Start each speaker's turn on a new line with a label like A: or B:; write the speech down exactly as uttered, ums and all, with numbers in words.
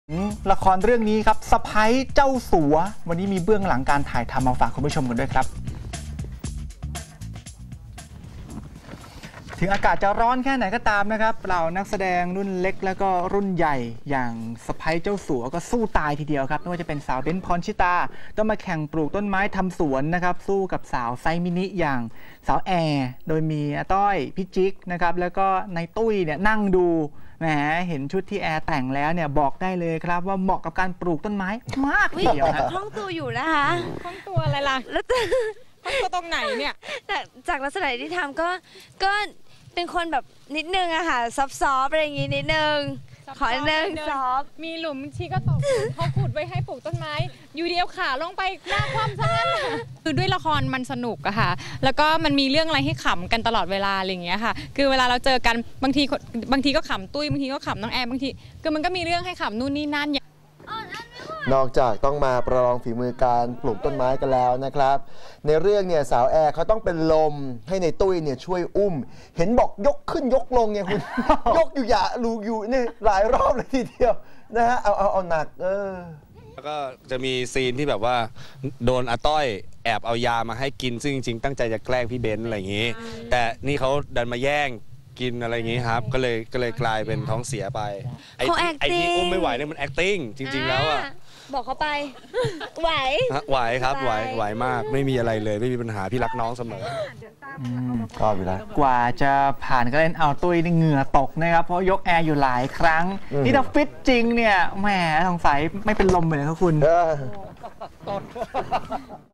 A: ละครเรื่องนี้ครับสะใภ้เจ้าสัววันนี้มีเบื้องหลังการถ่ายทำมาฝากคุณผู้ชมกันด้วยครับถึงอากาศจะร้อนแค่ไหนก็ตามนะครับเรานักแสดงรุ่นเล็กแล้วก็รุ่นใหญ่อย่างสะใภ้เจ้าสัวก็สู้ตายทีเดียวครับไม่ว่าจะเป็นสาวเบ้นพรชิตาต้องมาแข่งปลูกต้นไม้ทำสวนนะครับสู้กับสาวไซมินิอย่างสาวแอร์โดยมีอาต้อยพี่จิ๊กนะครับแล้วก็ในตุ้ยเนี่ยนั่งดูแหมเห็นชุดที่แอร์แต่งแล้วเนี่ยบอกได้เลยครับว่าเหมาะกับการปลูกต้นไม้มากทีเดียวครับ
B: คล่องตัวอยู่นะคะ
C: คล่องตัวอะไรล่ะแล้วคล่องตัวตรงไหนเนี่ย
B: จากจากลักษณะที่ทำก็ก็เป็นคนแบบนิดนึงอะค่ะซอฟต์ๆอะไรอย่างงี้นิดนึงขอนิดนึงซอฟ
C: มีหลุมชีก็ตกเขาขุดไว้ให้ปลูกต้นไม้อยู่เดียวขาลงไปหน้าคว่ำซะงั้นคือด้วยละครมันสนุกอะค่ะแล้วก็มันมีเรื่องอะไรให้ขำกันตลอดเวลาอะไรอย่างเงี้ยค่ะคือเวลาเราเจอกันบางทีบางทีก็ขำตุ้ยบางทีก็ขำน้องแอร์บางทีคือมันก็มีเรื่องให้ขำนู่นนี่นั่น
D: นอกจากต้องมาประลองฝีมือการปลูกต้นไม้กันแล้วนะครับในเรื่องเนี่ยสาวแอร์เขาต้องเป็นลมให้ในตุ้ยเนี่ยช่วยอุ้มเห็นบอกยกขึ้นยกลงไงคุณ ยกอยู่อย่าลูอยู่นี่หลายรอบเลยทีเดียวนะฮะเอาเอาเอาหนักเออ
E: แล้วก็จะมีซีนที่แบบว่าโดนอาต้อยแอบเอายามาให้กินซึ่งจริงๆตั้งใจจะแกล้งพี่เบนซ์อะไรอย่างนี้แต่นี่เขาดันมาแย่งกินอะไรอย่างนี้ครับก็เลยก็เลยกลายเป็นท้องเสียไปไอ้ไอ้ที่อุ้มไม่ไหวเนี่ยมัน acting จริงๆแล้วอ่ะ
B: บอกเขาไปไหว
E: ไหวครับไหวไหวมากไม่มีอะไรเลยไม่มีปัญหาพี่รักน้องเสมอ
D: ก็อยู่แล้ว
A: กว่าจะผ่านก็เล่นเอาตุ้ยนี่เหงื่อตกนะครับเพราะยกแอร์อยู่หลายครั้งนี่ถ้าฟิตจริงเนี่ยแหมสงสัยไม่เป็นลมเลยครับคุณ